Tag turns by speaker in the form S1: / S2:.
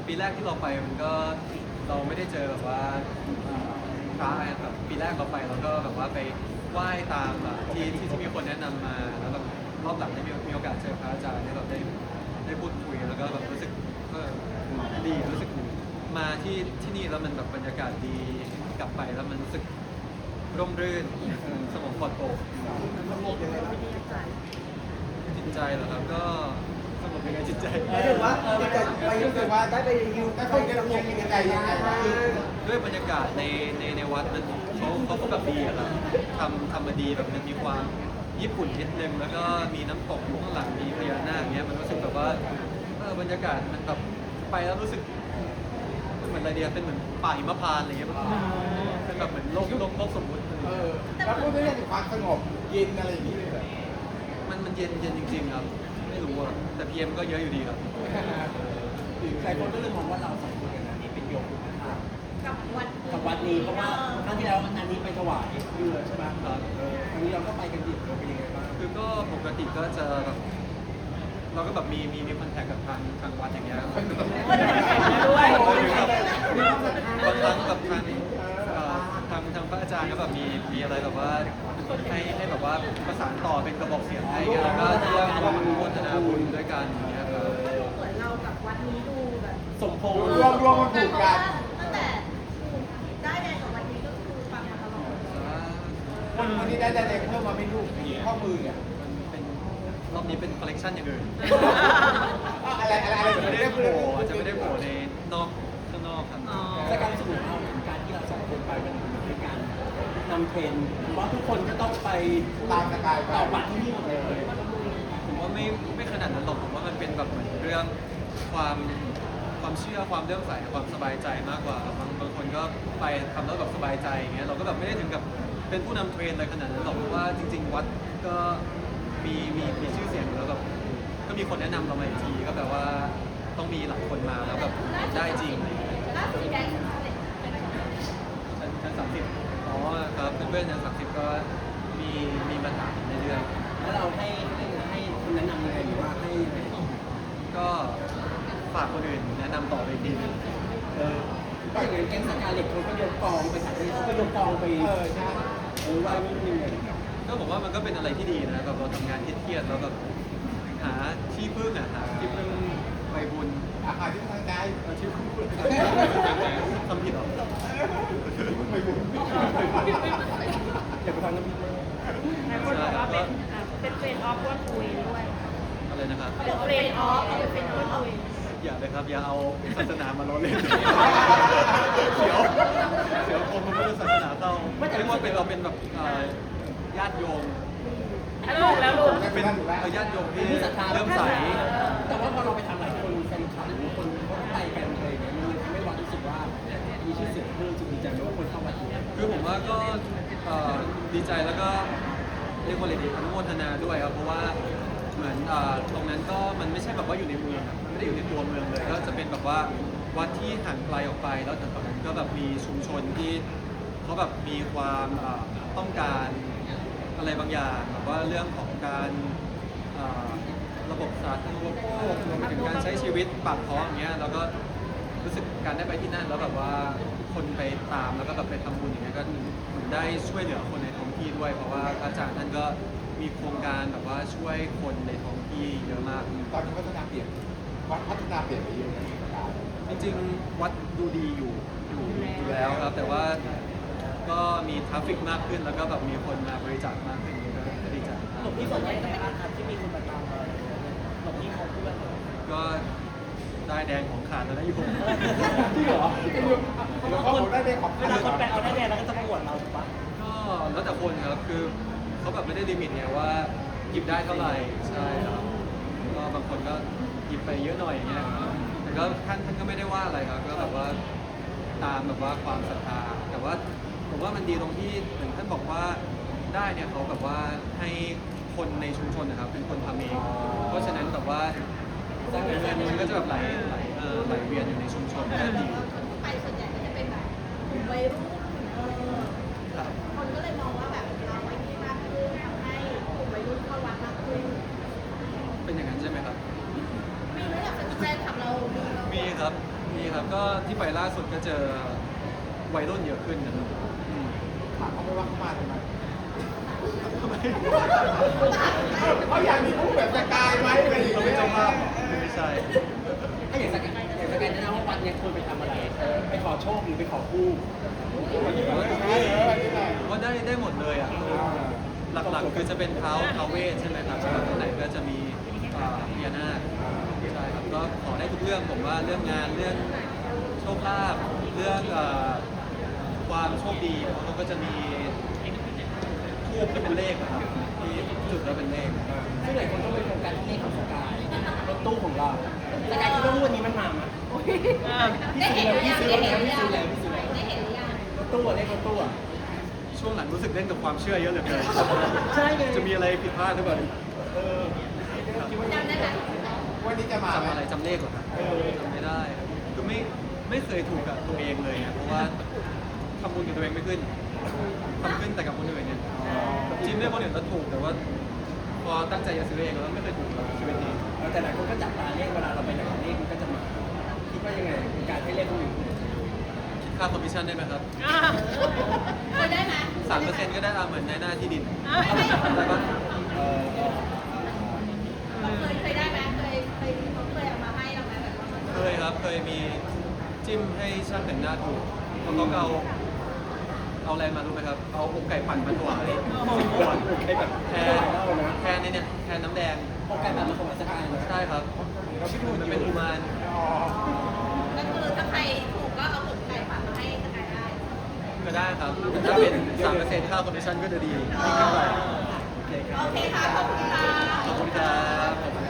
S1: ปีแรกที่เราไปมันก็เราไม่ได้เจอแบบว่าพระแบบปีแรกเราไปเราก็แบบว่าไปไหว้ตามแบบที่มีคนแนะนำมาแล้วแบบรอบหลังได้มีโอกาสเจอพระอาจารย์ที่เราได้พูดคุยแล้วก็แบบรู้สึกดีรู้สึกมาที่นี่แล้วมันแบบบรรยากาศดีกลับไปแล้วมันรู้สึกร่มรื่นสมองปลอดโปร่งจิตใจเหรอครับก็สงบยังไงจิตใจ
S2: หมายถึงว่าไปรู้สึกว่าได้ไปยิวได้ไปกระทงยังไงบ้าง
S1: ด้วยบรรยากาศในวัดมันเขาก็แบบดีอะครับทำมาดีแบบมันมีความญี่ปุ่นนิดนึงแล้วก็มีน้ำตกอยู่ข้างหลังมีพญานาคเงี้ยมันรู้สึกแบบว่าบรรยากาศมันแบบไปแล้วรู้สึกเหมือนอะไรเดียเป็นเหมือนป่าหิมพานต์อะไรเงี้ยเป็นแบบเหมือนโลกสมมุติ
S3: แล้วพูดเรื่องความสงบเย็นอะไรอย่างนี้เลยเหรอ
S1: มันเย็นจริงๆครับไม่รู้อะแต่พีเอ็มก็เยอะอยู่ดีครับ
S2: หลายคนก็เลยมองว่าเราสองคนกันนี้เป็นโยม
S4: กับวัด
S2: กับวัดนี้เพราะว่าครั้งที่แล้วอันนี้ไปถวายเรือใช่ไหม
S1: ครับ
S2: ครั้งนี้เราก็ไปกันดิบเราเป็นยังไงบ้าง
S1: คือก็ปกติก็จะแบบเราก็แบบมีคอนแทคกับทางวัดอย่างเงี้ยครับ
S4: ด้วย
S1: บางครั้งแบบทางพระอาจารย์ก็แบบมีอะไรแบบว่าให้แบบว่าประสานต่อเป็นกระบอกเสียงให้กันแล้วก็ร่วมโฆษณาบุญด้วยกันอย่างเงี้ยครับ
S4: เหมือนเรากับวัดนี้ดูแบบ
S2: สมพงษ์
S3: รวมมันผูกกัน
S4: ตั้งแต่ได้แดงกับวัดนี้ก็คือฟังมาตลอด
S3: วันนี้ได้แดงเพิ่มมาเป็นรูปข้อมือเนี่ย
S1: มันเป็นรอบนี้เป็นคอลเลกชันอย่างอื่น
S3: อะไร
S1: จะไม่ได้โผล่ในข้างนอกครับ
S2: จากการรู้สึกของเราการที่เราสองคนไปมันเป็นการนำเทรนด์ว่าทุกคนก็ต้องไป
S3: ตามสกายไป
S2: ต่อบัตรที่นี่หมดเลย
S1: ผมว่าไม่ขนาดนั้นหรอกผมว่ามันเป็นแบบเหมือนเรื่องความเชื่อความเลื่อมใสความสบายใจมากกว่าบางคนก็ไปทำแล้วแบบสบายใจอย่างเงี้ยเราก็แบบไม่ได้ถึงกับเป็นผู้นำเทรนอะไรขนาดนั้นหรอกเพราะว่าจริงๆวัดก็มีชื่อเสียงอยู่แล้วแบบก็มีคนแนะนำเรามาอีกทีก็แปลว่าต้องมีหลายคนมาแล้วแบบได้จริงอะไรอย่างเงี้ย
S4: ล่าสุดแดงสำเร็จ
S1: ชั้น30อ๋อครับเพื่อนๆชั้น30ก็มีมาถามในเรื่อง
S2: แล้วเราให้คนแนะนำยังไงหรือว่าให้
S1: ก็ฝากคนอื่นแนะนำต่อไปอีกทีนึง
S2: ก็อย่างนั้นแก๊งสกาเล็ตเขาก็ยกกองไปถ่ายที่เขาก็ยกกองไป
S3: ใช่
S2: ไหว้ไม่มีเงิน
S1: ก็บอกว่ามันก็เป็นอะไรที่ดีนะแบบเราทำงานเครียดๆแล้วแบบหาที่พึ่งหาที่พึ่งไปบุญ
S3: อาที่ทางใจ
S1: ที่พึ่งทำผิดเหรอ
S3: ไม่บุญ
S2: อย่าไปฟังน้ำพริกมาก
S5: หลายคนบอกว่าเป็นเฟรนด์ออฟว่าคุยด้วย
S1: อะไรนะครับ
S5: เป็นเฟรนด์ออฟเป็นเฟรนด์ออฟคุย
S1: อย่าเลยครับอย่าเอาศาสนามาล้อเล่นเดี๋ยวผมมันไม่ใช่ศาสนาเต้าเรียกว่าเป็นเราเป็นแบบญาติโยม
S5: ลูกแล้วลูก
S1: เป็นญาติโยมที่
S2: ผู้ศรัทธา
S1: เริ่มใส
S2: แต่ว่าพอเราไปทำหลายคนแฟนคลับหรือคนเขาไปกันอะไรอย่างเงี้ยมันทำให้เรารู้สึกว่ามีชื่อเสียงเพิ่มจริงดีใจไหมว่าคนเข้ามาดู
S1: คือผมว่าก็ดีใจแล้วก็เรียกว่าอะไรดีอนุโมทนาด้วยครับเพราะว่าเหมือนตรงนั้นก็มันไม่ใช่แบบว่าอยู่ในเมืองมันไม่ได้อยู่ในตัวเมืองเลยก็จะเป็นแบบว่าวัดที่ห่างไกลออกไปแล้วแต่ตอนนั้นก็แบบมีชุมชนที่เขาแบบมีความต้องการอะไรบางอย่างแบบว่าเรื่องของการระบบสาธารณูปโภครวมไปถึงการใช้ชีวิตปากท้องอย่างเงี้ยแล้วก็รู้สึกการได้ไปที่นั่นแล้วแบบว่าคนไปตามแล้วก็แบบไปทำบุญอย่างเงี้ยก็เหมือนได้ช่วยเหลือคนในท้องที่ด้วยเพราะว่าพระอาจารย์ท่านก็มีโครงการแบบว่าช่วยคนในท้องที่เยอะมาก
S3: ตอนนี้พัฒนาเปลี่ยนวัดพัฒนาเปลี่ยนไปเยอะเลย
S1: จริงๆวัดดูดีอยู่แล้วครับแต่ว่าก็มีทราฟฟิกมากขึ้นแล้วก็แบบมีคนมาบริจาคมากขึ้นก็ดีใจ
S2: หลวงพี่สนใจไหมครับที่มีคนมาตามเราหลวงพี่เขาพูดว่า
S1: ก็ได้แดงของขาดแล้วนะโยม
S3: จริงเหรอแล้วก็ผมได้ของ
S2: เวลาคนไปเอาได้แดงแล้วก็จะประกวดเราถูกปะ
S1: ก็แล้วแต่คนครับคือเขาแบบไม่ได้ลิมิตไงว่าหยิบได้เท่าไหร่ใช่ครับก็บางคนก็หยิบไปเยอะหน่อยอย่างเงี้ยครับแต่ก็ท่านก็ไม่ได้ว่าอะไรครับก็แบบว่าตามแบบว่าความศรัทธาแต่ว่าผมว่ามันดีตรงที่เหมือนท่านบอกว่าได้เนี่ยเขาแบบว่าให้คนในชุมชนนะครับเป็นคนทำเองเพราะฉะนั้นแบบว่าเงินมันก็จะแบบไหลเวียนอยู่ในชุมชนก็ดี
S4: ไปส่วนใหญ่ก็จะเป็นแบบกลุ่มวัยรุ่น
S1: ครับ
S4: คนก็เลยมองว่าแบบเราไว้นี่มากขึ้นทำให้กลุ่มวัยรุ่นเข้าวัดมากขึ้น
S1: เป็นอย่างนั้นใช่ไหมครับ
S4: มีไหมล่ะแฟนคลับเรา
S1: มีครับมีครับก็ที่ไปล่าสุดก็เจอวัยรุ่นเยอะขึ้นนะครับอืม
S3: ถามเขาไม่ว่าเขามาทำไมเขาอยากมีผู้แบบสกายไหมอะไรอย่าง
S1: เรา
S3: เงี้
S1: เป็น
S3: ย
S1: เจ้าภาพไม่ใช่
S2: ถ้าอย่างสกายนะว่าวันเนี้ยควรไปทำอะไรไปขอโชคหรือไปขอคู่
S1: ว่าได้หมดเลยอ่ะหลักๆคือจะเป็นท้าวเวทใช่ไหมครับส่วนข้างในก็จะมีพญานาคใช่ครับก็ขอได้ทุกเรื่องผมว่าเรื่องงานเรื่องโชคลาภเรื่องความโชคดีเขาก็จะมีทูบที่เป็นเลขอะครับที่จุดแล้วเป็นเลข
S2: ซึ่งหลายคนก็ไปโฟกัสที่เลขของสกายรถตู้ของเราสกายคิดว่าวันนี้มันมาไหม
S4: ได้เห็นหรือยัง
S2: พี่
S4: ได้
S2: ซื้อ
S4: เห็นหรือยัง
S2: พี่ซื้อแล้ว
S4: ได้เห็นหรือยัง
S2: รถตู้อะเลขรถตู้อะ
S1: ช่วงหลังรู้สึกเล่นกับความเชื่อเยอะเหลือเกิน
S2: ใช่ไง
S1: จะมีอะไรผิดพลาดหรือเปล่า
S4: จำได้ไหม
S3: วันนี้จะมา
S1: จำอะไรจำเลขเหรอครับจำไม่ได้คือไม่เคยถูกกับตัวเองเลยนะเพราะว่าทำบุญกับตัวเองไม่ขึ้นทำขึ้นแต่กับคนอื่นเนี่ยจริงด้วยคนอื่นก็ถูกแต่ว่า พอตั้งใจจะซื้อเองแล้วไม่เคยถูกเลยชีวิตนี้
S2: แต่หลายคนก็จับตาเลขเวลาเราไปไหนเลขมันก็จะมาคิดว่ายังไงการให้เลขคนอื่น
S1: คิดค่าคอมมิชชั่นได้ไหมครับ
S4: เคยได้ไหม
S1: 3%ก็ได้เหมือนในหน้าที่ดิน
S4: เค
S1: ได้ปะ
S4: ยได้ไหมเคยเอามาให้เราไหมแบบว่า
S1: เคยครับเคยมีจิ้มให้ช่างแต่งหน้าถูกแล้วเขาก็เอาอะไรมารู้ไหมครับเอาอกไก่ปั่นมาถวาย10 ขวด
S2: ไอ้แบบ
S1: แทนเนี่ยแทนน้ำแดง
S2: โอกาสแบบมาของสกายนะ
S1: ใช่ครับมันเป็นอุมาน
S4: ก็คือถ้าใครถูกก็เอาหมกไก่ฝากมาให้สกายได้
S1: ก็ได้ครับแต่ถ้าเป็น 3%ค่าคอมมิชชั่นก็จะดีขึ้นไป
S2: โอเคครับ
S4: โอเคค่ะ ขอบคุณค่ะ
S1: ขอบคุณครับ